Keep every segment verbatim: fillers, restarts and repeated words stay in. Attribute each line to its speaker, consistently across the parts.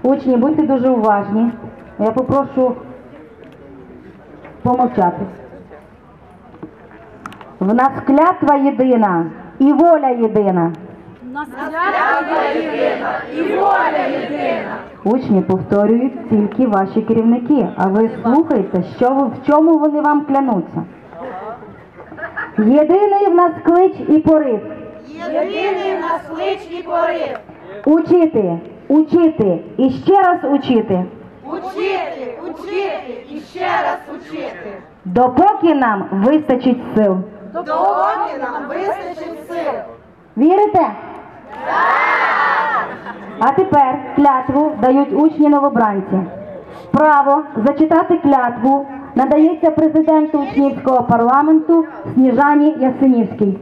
Speaker 1: Учні, будьте дуже уважні. Я попрошу помовчати. В нас клятва єдина і воля єдина.
Speaker 2: В нас клятва єдина і воля єдина.
Speaker 1: Учні повторюють тільки ваші керівники, а ви слухайте, що ви, в чому вони вам клянуться. Єдиний в нас клич і порив.
Speaker 2: Єдиний в нас клич і порив.
Speaker 1: Учити, учити і ще раз учити.
Speaker 2: Учити, учити і ще раз учити.
Speaker 1: Допоки нам вистачить сил.
Speaker 2: Допоки нам вистачить сил.
Speaker 1: Вірите? Так! А тепер клятву дають учні новобранці. Право зачитати клятву надається президенту учнівського парламенту Сніжані Ясенівській.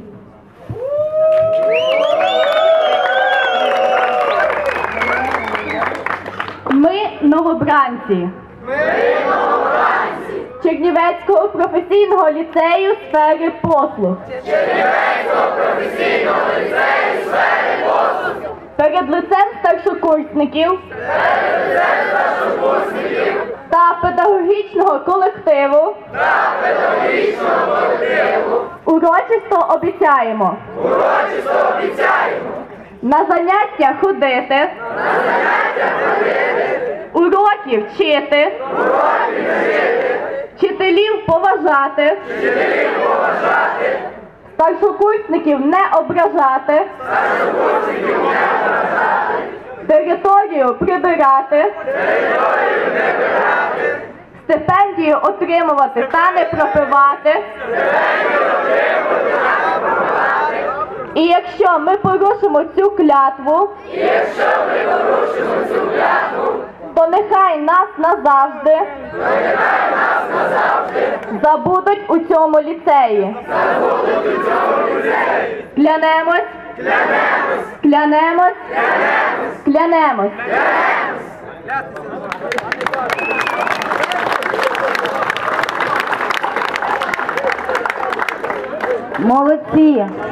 Speaker 3: Ми новобранці.
Speaker 2: Ми новобранці.
Speaker 3: Чернівецького професійного ліцею сфери послуг.
Speaker 2: Чернівецького професійного ліцею сфери послуг.
Speaker 3: Перед лицем старшокурсників.
Speaker 2: Перед лицем старшокурсників.
Speaker 3: Та педагогічного колективу.
Speaker 2: Та педагогічного колективу.
Speaker 3: Урочисто обіцяємо.
Speaker 2: Урочисто обіцяємо.
Speaker 3: На заняття ходити.
Speaker 2: На заняття ходити.
Speaker 3: Уроки вчити.
Speaker 2: Уроки вчити.
Speaker 3: Вчителів поважати.
Speaker 2: Вчителів поважати.
Speaker 3: Старшокурсників не ображати.
Speaker 2: Старшокурсників не ображати.
Speaker 3: Територію прибирати.
Speaker 2: Територію не прибирати.
Speaker 3: Стипендію отримувати та не пропивати.
Speaker 2: Стипендію отримувати та не пропивати.
Speaker 3: І якщо ми порушимо цю клятву,
Speaker 2: І якщо ми порушимо цю клятву,
Speaker 3: то нехай нас назавжди
Speaker 2: то нехай нас назавжди
Speaker 3: забудуть у цьому ліцеї.
Speaker 2: забудуть у цьому ліцеї.
Speaker 3: Клянемось,
Speaker 2: Клянемось,
Speaker 3: клянемось,
Speaker 2: клянемось,
Speaker 3: клянемось.
Speaker 2: клянемось.
Speaker 1: Молодці!